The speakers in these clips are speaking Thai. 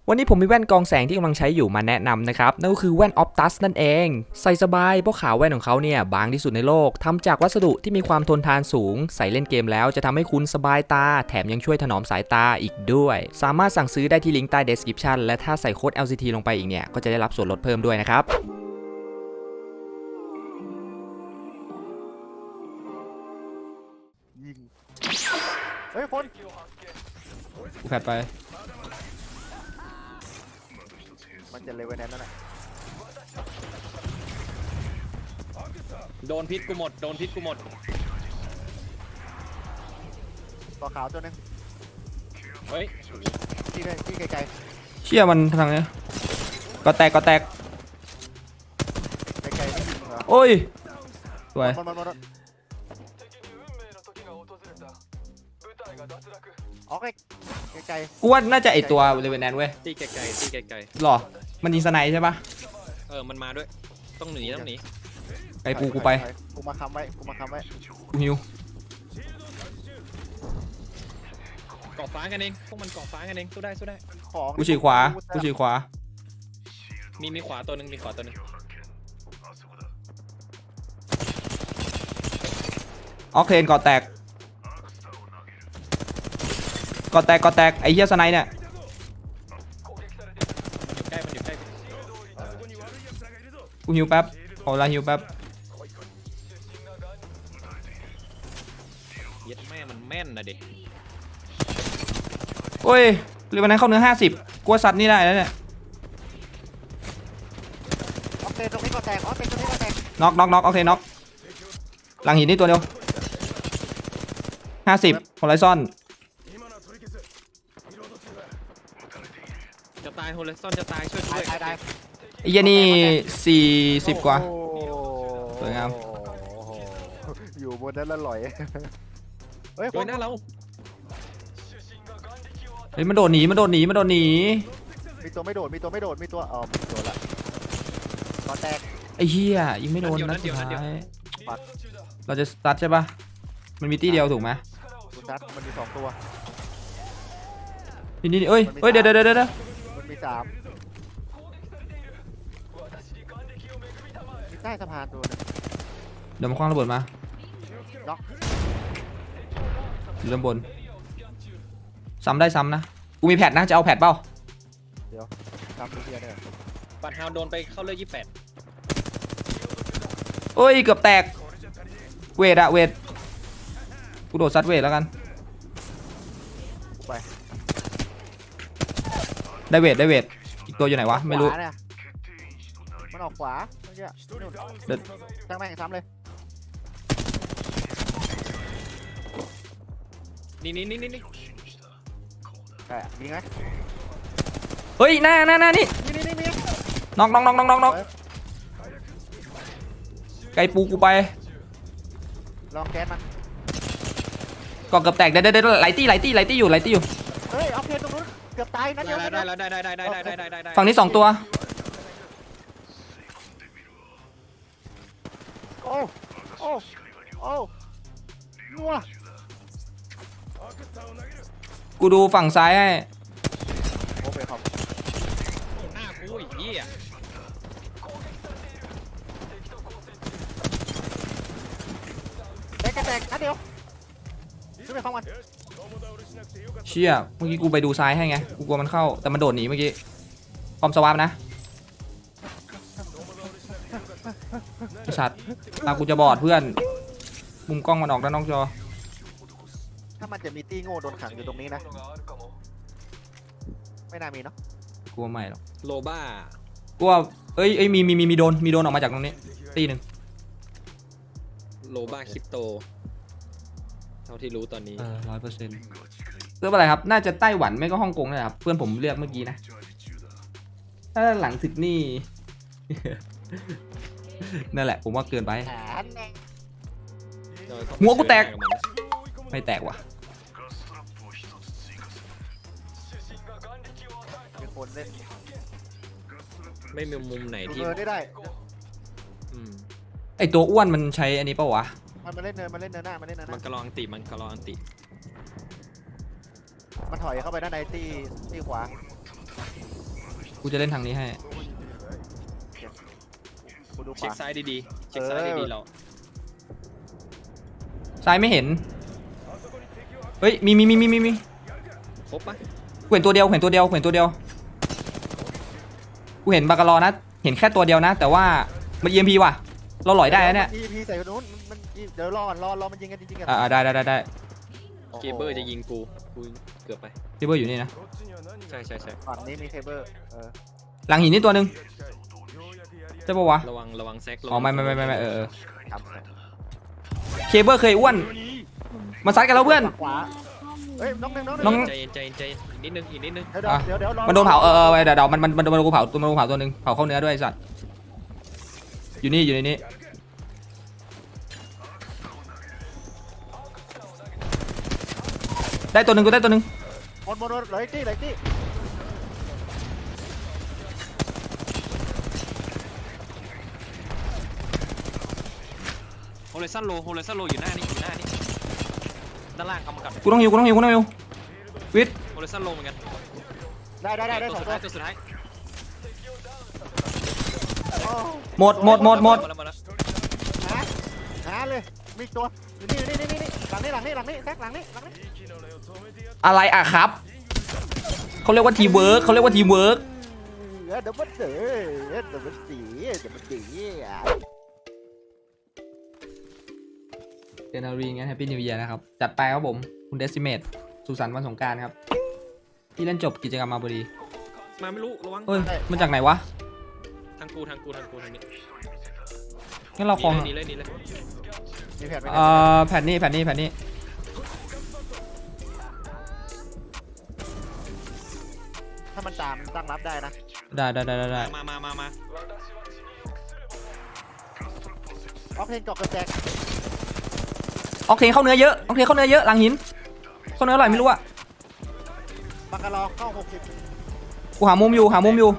วันนี้ผมมีแว่นกองแสงที่กำลังใช้อยู่มาแนะนำนะครับนั่นก็คือแว่น Optus นั่นเองใส่สบายเพราะขาวแว่นของเขาเนี่ยบางที่สุดในโลกทำจากวัสดุที่มีความทนทานสูงใส่เล่นเกมแล้วจะทำให้คุณสบายตาแถมยังช่วยถนอมสายตาอีกด้วยสามารถสั่งซื้อได้ที่ลิงก์ใต้ description และถ้าใส่โค้ด LCT ลงไปอีกเนี่ยก็จะได้รับส่วนลดเพิ่มด้วยนะครับยิงเฮ้ยคนกูแฟดไปมันจะเลเวลนั้นน่ะโดนพิษกูหมดตัวขาวตัวนึงเฮ้ยที่ไกลเชี่ยมันทางเนี้ยก็แตกไกลไม่ยิงเหรอโอ้ยสวยมันอ๋อไกลกูว่าน่าจะไอตัวเลเวนแนนเว้ยตีไกลหรอมันยิงสไนใช่ปะมันมาด้วยต้องหนีไอปูกูไปกูมาค้ำไว้กูหิวเกาะฟ้ากันเองพวกมันเกาะฟ้ากันเองสู้ได้ของกูฉีกขวามีขวาตัวนึงออกเทนก่อแตกไอเหี้ยสไนเนี่ยมันอยู่ใกล้กูหิวแป๊บขอเวลาหิวแป๊บเย็ดแม่มันแม่นนะเด็กโอ้ยหรือวันนั้นเข้าเนื้อ50กลัวสัตว์นี่ได้แล้วเนี่ยออกเตตรงนี้ก็แตกน็อกโอเคน็อกหลังหินนี่ตัวเดียว50โฮไลซอนจะตายโฮเลซอนจะตายช่วยด้วยตายไอ้เหี้ยนี่40กว่าสวยงามอยู่บนนั้นแล้วลอยเฮ้ยหน้าเราเฮ้ยมันโดดหนีมีตัวไม่โดดมีตัวมีตัวละก็แตกไอ้เหี้ยยิงไม่โดนนัดสุดท้ายเราจะสตาร์ทใช่ปะมันมีตีเดียวถูกไหมมันมี2ตัวนี่เอ้ยเดี๋ยวมันมี3ใต้สะพานตัวนึงเดี๋ยวมาคว้างระเบิดมาล็อกอยู่ด้านบนซ้ำได้ซ้ำนะกูมีแพดนะจะเอาแพดเปล่าเดี๋ยวซ้ำตัวเดียวเนี่ยปัดฮาวโดนไปเข้าเลือด28 เอ้ยเกือบแตกเวทกูโดดซัดเวทแล้วกันไปได้เวทอีกตัวอยู่ไหนวะไม่รู้มันออกขวาเมื่อกี้ตั้งแม่งซ้ำเลยนี่ใช่มีไหมเฮ้ยหน้านี่มีน็อกไก่ปูกูไปลองแก๊สมันก็เกือบแตกได้ไหลตี้อยู่เฮ้ยเอาเพลตรงนู้นเกือบตายนะเดี๋ยวได้ฝั่งนี้2ตัวโอ้นัวกูดูฝั่งซ้ายให้โอเคครับหน้ากูอีกที่อ่ะแตกนะเดี๋ยวช่วยไปเข้ามันเชี่ยเมื่อกี้กูไปดูซ้ายให้ไงกูกลัวมันเข้าแต่มันโดดหนีเมื่อกี้คอมสวาปนะไอ้สัตว์ตากูจะบอดเพื่อนมุมกล้องมันออกด้านนอกจอถ้ามันจะมีตี้โง่โดนขังอยู่ตรงนี้นะไม่น่ามีเนาะกลัวไม่หรอกโลบ้ากลัวเอ้ยมีโดนออกมาจากตรงนี้ตีหนึ่งโลบ้าคริปโตเท่าที่รู้ตอนนี้ 100%เรื่องอะไรครับน่าจะไต้หวันไม่ก็ฮ่องกงนะครับเพื่อนผมเลือกเมื่อกี้นะถ้าหลังศึกนี่ นั่นแหละผมว่าเกินไปหัวกูแตกไม่แตกว่ะมีคนเล่นไม่มีมุมไหนที่ได้ไอตัวอ้วนมันใช้อันนี้ป่าวะมันเล่นเนินหน้ามันกระลองติมันถอยเข้าไปด้านในตีขวากูจะเล่นทางนี้ให้กูดูขเช็ควาซ้ายดีๆเช็คซ้ายดีๆเราซ้ายไม่เห็นเฮ้ยมีครบปะกูเห็นตัวเดียวกูเห็นบากาลอนะเห็นแค่ตัวเดียวนะ แต่ว่ามัน EMP ว่ะเราหลอยได้นะเนี่ย EMP ใส่คนนู้นมันเดี๋ยวรอก่อนรอมันยิงกันจริงๆกันได้เคเบิลจะยิงกูเกือบไปพี่เบอร์อยู่นี่นะใช่ฝั่งนี้มีเทเบิลหลังหินนี่ตัวหนึ่งใช่ปะวะระวังแซกอ๋อไม่ทำเคเบิลเคยอ้วนมาซัดกันแล้วเพื่อนขวาเฮ้ยน้องน้องใจเย็นอีกนิดนึงเดี๋ยวมันโดนเผาเดี๋ยวมันโดนกูเผาตัวหนึ่งเผาเข้าเนื้อด้วยไอ้สัตว์อยู่ในนี้ได้ตัวหนึ่งกูได้ตัวหนึ่งหมดเลยที่โฮเลซันโลอยู่หน้านี่ด้านล่างเอามากับกูต้องหิววิทย์โฮเลซันโลเหมือนกันได้สองตัวตัวสุดท้ายหมดหาเลยมีตัวอยู่นี่หลังนี้แซกหลังนี้อะไรอะครับเขาเรียกว่าทีมเวิร์กเดี๋ยวมันสีเดนารีงั้นแฮปปี้นิวเยียร์นะครับจัดไปครับผมคุณเดซิเมตสุสานต์วันสงกรานต์ครับที่เล่นจบกิจกรรมมาพอดีมาไม่รู้ระวังเฮ้ยมันจากไหนวะทางกูทางนี้งั้นเราคลองนี่เลยมีแผนไหมแผ่นนี้ถ้ามันตามตั้งรับได้นะได้มาออกเพลงเกาะกระแจกโอเคเข้าเนื้อเยอะหลังหินเข้าเนื้ออร่อยไม่รู้อะบังกะลอเข้า60 กูหามุมอยู่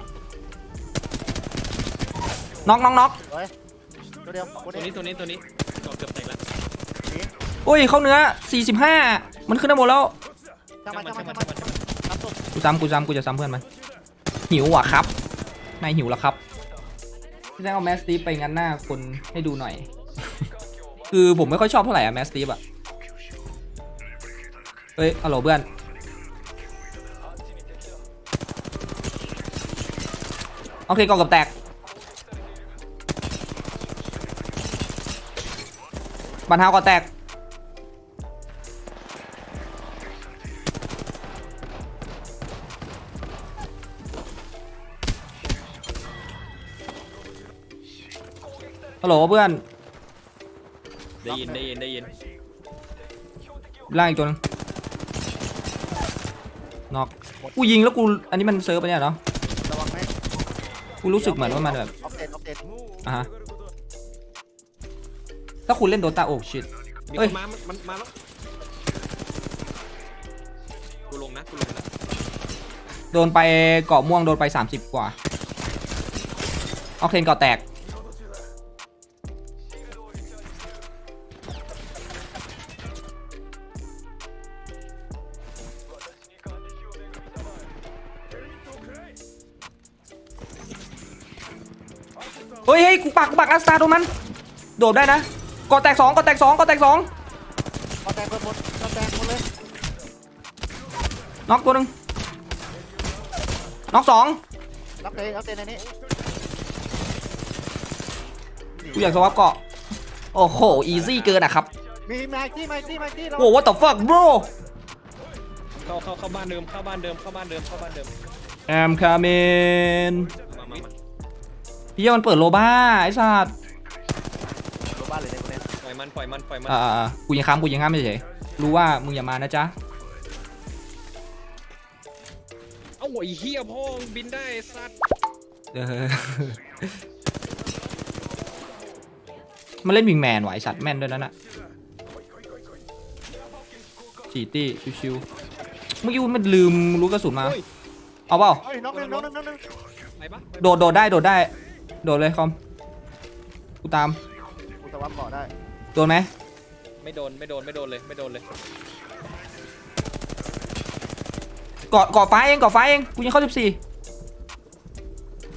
น็อกตัวเดียวตัวนี้เกือบแตกแล้วอุ้ยเข้าเนื้อ45มันขึ้นได้หมดแล้วช่างมันรับตัวกูจะซ้ำเพื่อนมันหิวอ่ะครับนายหิวแล้วครับพี่แจ้งเอาแมสตีฟไปงั้นหน้าคนให้ดูหน่อย คือผมไม่ค่อยชอบเท่าไหร่อะแมสตีฟอะเฮ้ยฮัลโหลเพื่อนโอเคกองกับแตกบันเทาก็แตกฮัลโหลเพื่อนได้ยินล่างอีกตัวนึงน็อกกูยิงแล้วกูอันนี้มันเซิร์ฟไปเนี่ยเนาะระวังไหมกูรู้สึกเหมือนว่ามันแบบออฟเดตฮะถ้าคุณเล่นโดตาโอ้ชิตมีเอ้คยนมาแล้วกูลงนะโดนไปเกาะม่วงโดนไป30กว่าออกเทนเกาะแตกเฮ้ยกูปักอัสตาตรงนั้นโดดได้นะเกาะแตก2 ก็แตกหมดเลยน็อกตัวหนึ่งน็อก2 รับเตะในนี้กูอยากสวับเกาะโอ้โหอีซี่เกินอะครับมีไมค์ที่โอ้ what the fuck bro เข้าบ้านเดิม I'm coming มาพี่มันเปิดโลบ้าไอ้สัตว์โรบ้านเลยในคนนี้ปล่อยมันกูยังค้ำไม่เฉยรู้ว่ามึงอย่ามานะจ๊ะเอ้าไอ้เหี้ยพ่อบินได้สัตว์มันเล่นวิงแมนไหวสัตว์แม่นด้วยนั่นน่ะจีตี้ชิวๆเมื่อกี้มันลืมรู้กระสุนมาเอาเปล่าเฮ้ยน้องนึงไปปะโดดได้โดดเลยคอมกูตามกูสวับเกาะได้โดนไหมไม่โดนเลยเกาะฟ้าเองกูยังเข้า14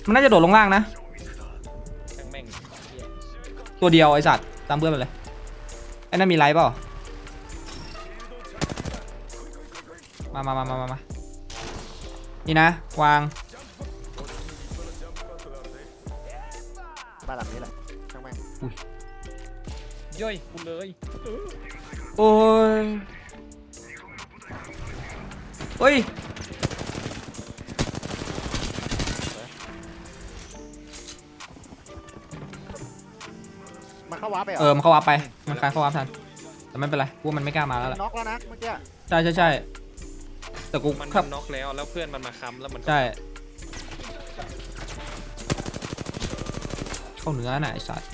มันน่าจะโดดลงล่างนะแม่งแม่งเหี้ยตัวเดียวไอสัตว์ตามเพื่อนไปเลยไอ้นั่นมีไลฟ์เปล่ามานี่นะวางบ้านหลังนี้แหละช่างแม่งย่อยกูเลยโอ้ยเฮ้ยมันเข้าวาร์ปไปเหรมันเข้าวาร์ปไปมันคลายเข้าวาร์ปทันแต่ไม่เป็นไรกูว่ามันไม่กล้ามาแล้วแหละน็อกแล้วนะเมื่อกี้ใช่แต่กูมันครับน็อกแล้วแล้วเพื่อนมันมาค้ำแล้วมันก็ใช่เข้าเนื้อน่ะไอสัตว์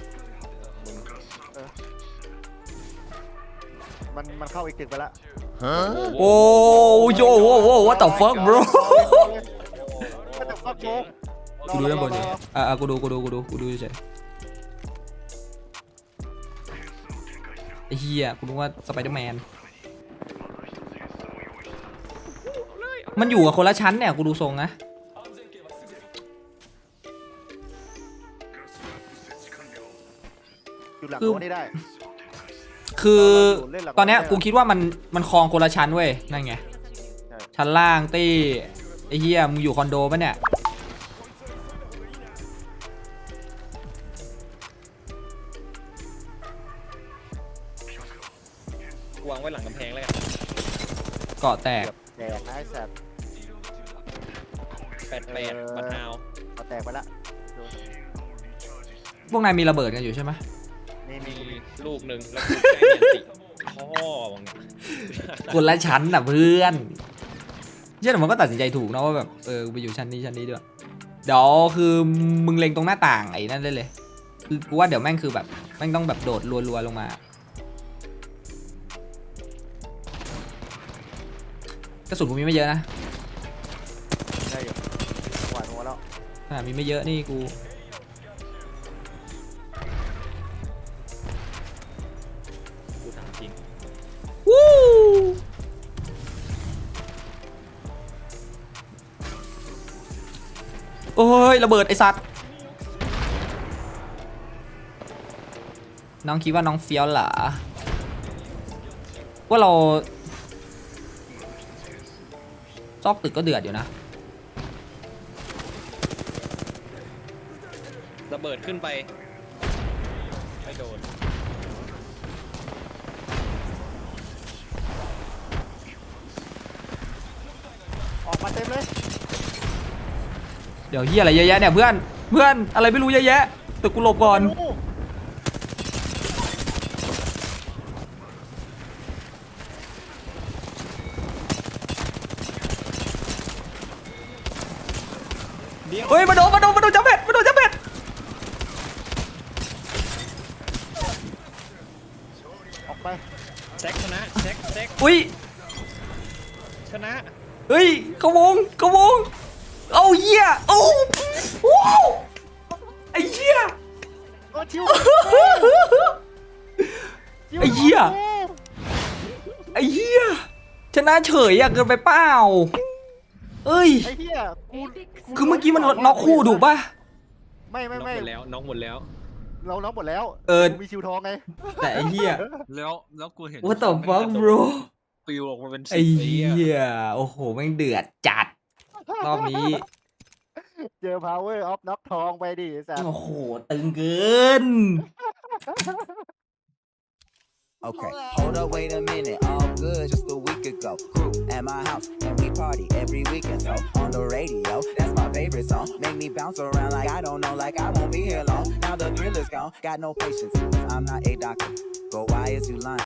มันเข้าอีกตึกไปละโอ้โยโว้ what the fuck bro ก็จะฟักโจ๊กกูดูด้านบนอยู่กูดูเฉยไอ้เหี้ยกูรู้ว่าสไปเดอร์แมนมันอยู่กับคนละชั้นเนี่ยกูดูทรงนะอยู่หลังโน้นนี่ได้คือตอนเนี้ยกูคิดว่ามันคลองคนละชั้นเว้ยนั่นไงชั้นล่างตี้ไอ้เหี้ยมึงอยู่คอนโดปะเนี่ยวางไว้หลังกำแพงแล้วกันเกาะแตกแตกนะไอ้แสบ 88บัตรนาวเอาแตกไปละพวกนายมีระเบิดกันอยู่ใช่ไหมนี่มีมีลูกหนึ่งแล้วกูใกล้เนียนติพ่อมึงคนละชั้นน่ะเพื่อนเชื่อแต่มันก็ตัดสินใจถูกนะว่าแบบกูไปอยู่ชั้นนี้ด้วยเดี๋ยวคือมึงเล็งตรงหน้าต่างไอ้นั่นได้เลยคือกูว่าเดี๋ยวแม่งคือแบบแม่งต้องแบบโดดรัวๆลงมากระสุนกูมีไม่เยอะนะได้อยู่หวานหัวแล้วมีไม่เยอะนี่กูกูถามจริงวู้โอ้ยระเบิดไอสัตว์น้องคิดว่าน้องเฟี้ยวเหรอว่าเราซอกตึกก็เดือดอยู่นะระเบิดขึ้นไปไม่โดนออกมาเต็มเลยเดี๋ยวเฮียอะไรเยอะแยะเนี่ยเพื่อนอะไรไม่รู้เยอะแยะตึกกูหลบก่อนเฮ้ยมาโดนจับเบ็ดออกไปแซกชนะแซกอุ้ยชนะเฮ้ยกระวงเอาเหี้ยโอ้ว้าวไอ้เหี้ยโอ้ชิวไอ้เหี้ยชนะเฉยอะเกินไปเปล่าเอ้ยไอ้เหี้ยกูคือเมื่อกี้มันน็อกคู่ถูกป่ะไม่น้องหมดแล้วน้องหมดแล้วเราน็อกหมดแล้วกูมีชิวทองไงแต่ไอ้เหี้ยแล้วกูเห็น What the fuck bro ปิวออกมาเป็นไอ้สีเหี้ยโอ้โหแม่งเดือดจัดรอบนี้เจอ power of น็อกทองไปดิสัสโอ้โหตึงเกิน Okay, hold up, wait a minute. All good just a week ago. Crew at my house, and we party every weekend. So on the radio, that's my favorite song. Make me bounce around like I don't know, like I won't be here long. Now the thrill is gone, got no patience. I'm not a doctor, but why is you lying?